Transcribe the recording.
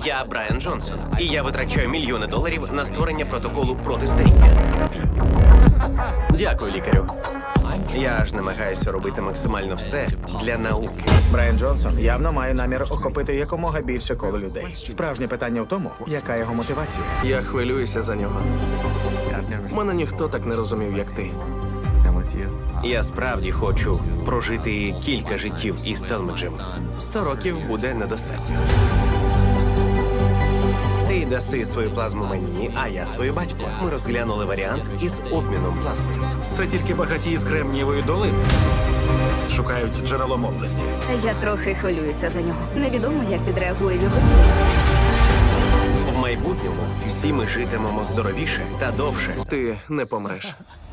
Я Брайан Джонсон, і я витрачаю мільйони доларів на створення протоколу проти старіння. Дякую, лікарю. Я ж намагаюся робити максимально все для науки. Брайан Джонсон явно має намір охопити якомога більше коло людей. Справжнє питання в тому, яка його мотивація. Я хвилююся за нього. Мене ніхто так не розумів, як ти. Я справді хочу прожити кілька життів із Телмеджем. 100 років буде недостатньо. Ти даси свою плазму мені, а я свою батьку. Ми розглянули варіант із обміном плазмою. Це тільки багаті з Кремнієвої долини. Шукають джерело молодості. Я трохи хвилююся за нього. Невідомо, як відреагує його тіло. В майбутньому всі ми житимемо здоровіше та довше. Ти не помреш.